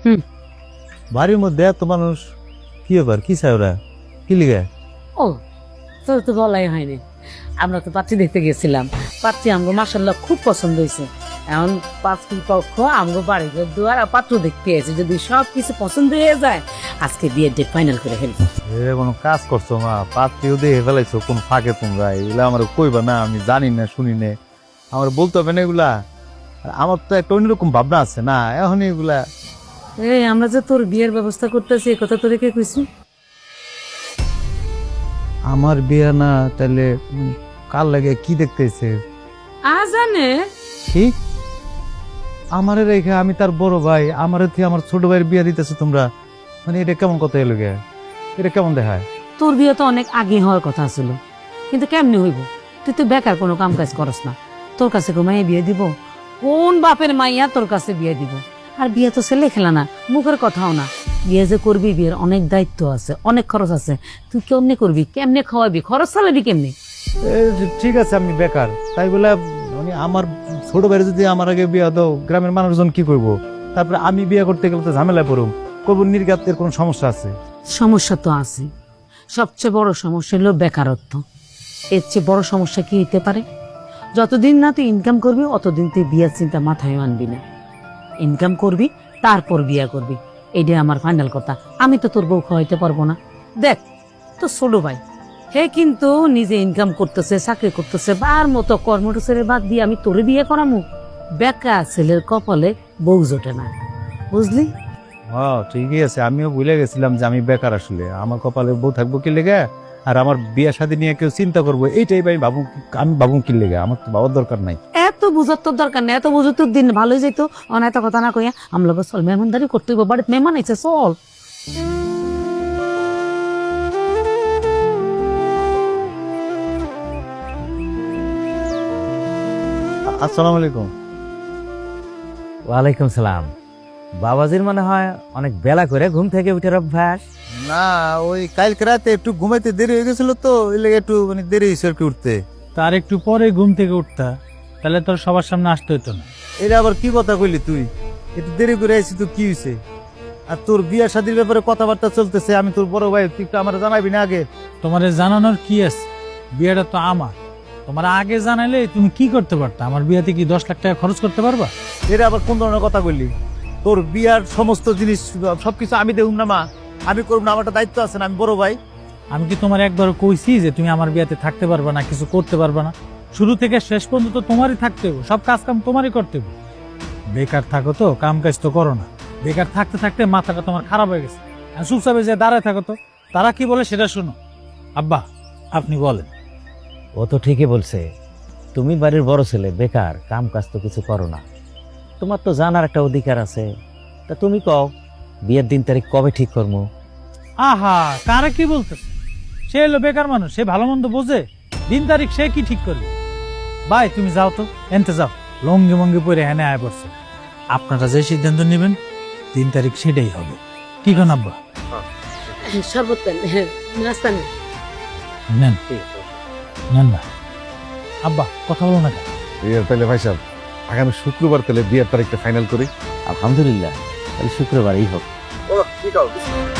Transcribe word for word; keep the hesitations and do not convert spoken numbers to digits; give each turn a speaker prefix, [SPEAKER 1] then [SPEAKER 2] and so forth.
[SPEAKER 1] হুম।
[SPEAKER 2] বাড়ির মধ্যে এত মানুষ, কি ব্যাপার, কি চাই ওরা, কি লিগে?
[SPEAKER 1] ও তোর তো বলাই হয়নি, আমরা তো পাত্রী দেখতে গেছিলাম। পাত্রী আমগো মাসাল্লাহ খুব পছন্দ হয়েছে। এখন পাত্রী পক্ষ আমগো বাড়ি ঘর দুয়ার আর পাত্র দেখতে এসে যদি সব কিছু পছন্দ হয়ে যায় আজকে বিয়ের ডেট ফাইনাল করে ফেলবো।
[SPEAKER 2] এ কোনো কাজ করছো মা? পাত্রীও দেখে ফেলাইছো কোন ফাঁকে তোমরা, এগুলা আমার কইবা না, আমি জানি না শুনি না, আমার বলতে হবে না এগুলা। আর আমার তো একটা অন্যরকম ভাবনা আছে না এখন এগুলা।
[SPEAKER 1] এই আমরা যে তোর বিয়ের ব্যবস্থা করতেছি এ কথা তোরে কে কইছি?
[SPEAKER 2] আমার বিয়ে না, তাহলে উম, কার লাগে কি দেখতেছে?
[SPEAKER 1] আ জানে
[SPEAKER 2] ঠিক আমারে রেখে আমি তার বড় ভাই, আমার থেকে আমার ছোট ভাইয়ের বিয়ে দিতেছে তোমরা, মানে এটা কেমন কথা এলো গে? এটা কেমন দেখায়?
[SPEAKER 1] তোর বিয়ে তো অনেক আগে হওয়ার কথা ছিল, কিন্তু কেমনে হইব? তুই তো বেকার, কোনো কাম কাজ করস না। তোর কাছে কো মাইয়া বিয়ে দিব? কোন বাপের মাইয়া তোর কাছে বিয়ে দিব? আর বিয়ে তো ছেলে খেলা না, মুখের কথাও না। বিয়ে যে করবি, বিয়ের অনেক দায়িত্ব আছে, অনেক খরচ আছে। তুই কেমনে করবি, কেমনে খাওয়াবি, খরচ চালাবি কেমনে?
[SPEAKER 2] এ, ঠিক আছে আমি বেকার, তাই বলে মানে আমার ছোট ভাইয়ের যদি আমার আগে বিয়ে দাও, গ্রামের মানুষজন কি করবো? তারপরে আমি বিয়ে করতে গেলে তো ঝামেলায় পড়ুম, করবো নির্গাতের কোনো সমস্যা আছে?
[SPEAKER 1] সমস্যা তো আছে, সবচেয়ে বড় সমস্যা হলো বেকারত্ব। এর চেয়ে বড় সমস্যা কি হইতে পারে? যতদিন না তুই ইনকাম করবি অতদিন তুই বিয়ের চিন্তা মাথায় আনবি না। ইনকাম করবি, তারপর বিয়ে করবি, এইটাই আমার ফাইনাল কথা। আমি তো তোর বউ খাওয়াইতে পারবো না। দেখ তো ছোট ভাই, হে কিন্তু নিজে ইনকাম করতেছে, চাকরি করতেছে, বার মতো কর্মটা বাদ দিয়ে আমি তোরে বিয়ে করামু? বেকার ছেলের কপালে বউ জোটে না, বুঝলি?
[SPEAKER 2] হ্যাঁ ঠিকই আছে, আমিও ভুলে গেছিলাম যে আমি বেকার, আসলে আমার কপালে বউ থাকবো কি লেগে, আর আমার বিয়ে শাদী নিয়ে কেউ চিন্তা করবো এইটাই ভাই ভাবু, আমি ভাবু কি লেগে, আমার তো ভাবার দরকার নাই।
[SPEAKER 1] এত বুঝার তোর দরকার নেই, এত বুঝে তোর দিন ভালোই যেত। অনেক কথা না কইয়া আমরা চল মেহমানদারি করতে হইব, বাড়িতে মেহমান আইছে, চল।
[SPEAKER 2] আসসালামু আলাইকুম।
[SPEAKER 3] ওয়ালাইকুম সালাম। বাবাজির মনে হয় অনেক বেলা করে ঘুম থেকে উঠে অভ্যাস।
[SPEAKER 2] না ওই কালকে রাতে একটু ঘুমাইতে দেরি হয়ে গেছিল তো, ওই লেগে একটু মানে দেরি হয়েছে আর কি উঠতে।
[SPEAKER 4] তার একটু পরে ঘুম থেকে উঠতা, তাহলে তোর সবার সামনে আসতে হইতো না।
[SPEAKER 2] এটা আবার কি কথা কইলি তুই? একটু দেরি করে আইছি তো কি হয়েছে? আর তোর বিয়া শাদীর ব্যাপারে কথাবার্তা চলতেছে, আমি তোর বড় ভাই, তুই তো আমার জানাবি না আগে?
[SPEAKER 4] তোমারে জানানোর কি আছে, বিয়েটা তো আমার। তোমার আগে জানাইলে তুমি কি করতে পারতা? আমার বিয়েতে কি দশ লাখ টাকা খরচ করতে পারবা?
[SPEAKER 2] এটা আবার কোন ধরনের কথা কইলি? তোর বিয়ার সমস্ত জিনিস সবকিছু আমি দেখুন না মা, আমি করব না, আমার একটা দায়িত্ব আছে না, আমি বড় ভাই।
[SPEAKER 4] আমি কি তোমার একবার কইছি যে তুমি আমার বিয়েতে থাকতে পারবা না, কিছু করতে পারবা না? শুরু থেকে শেষ পর্যন্ত তোমারই থাকতে হবে, সব কাজ কাম তোমারই করতে হবে। বেকার থাকো তো, কাম কাজ তো করো না। বেকার থাকতে থাকতে মাথাটা তোমার খারাপ হয়ে গেছে। আর চুপচাপে যে দাঁড়ায় থাকো তো, তারা কি বলে সেটা শুনো। আব্বা আপনি বলেন।
[SPEAKER 3] ও তো ঠিকই বলছে, তুমি বাড়ির বড় ছেলে, বেকার, কাম কাজ তো কিছু করো না, তোমার তো জানার একটা অধিকার আছে। তা তুমি কও বিয়ের দিন তারিখ কবে ঠিক করবো?
[SPEAKER 4] আহা, কারা কি বলতেছে? সে হলো বেকার মানুষ, সে ভালো মন্দ বোঝে? দিন তারিখ সে কি ঠিক করবে? ভাই তুমি যাও তো, এনতে যাও, লঙ্গি মঙ্গি পরে হেনে আয় পড়ছে। আপনারা যে সিদ্ধান্ত নেবেন দিন তারিখ সেটাই হবে। কি কোন আব্বা?
[SPEAKER 1] শরবত নাস্তা নেই।
[SPEAKER 4] নেন নেন না আব্বা, কথা বলো না কেন?
[SPEAKER 5] বিয়ের তাহলে ভাই সাহেব আগামী শুক্রবার তাহলে বিয়ের তারিখটা ফাইনাল করি।
[SPEAKER 3] আলহামদুলিল্লাহ, তাহলে শুক্রবারই হোক।
[SPEAKER 5] ও ঠিক আছে।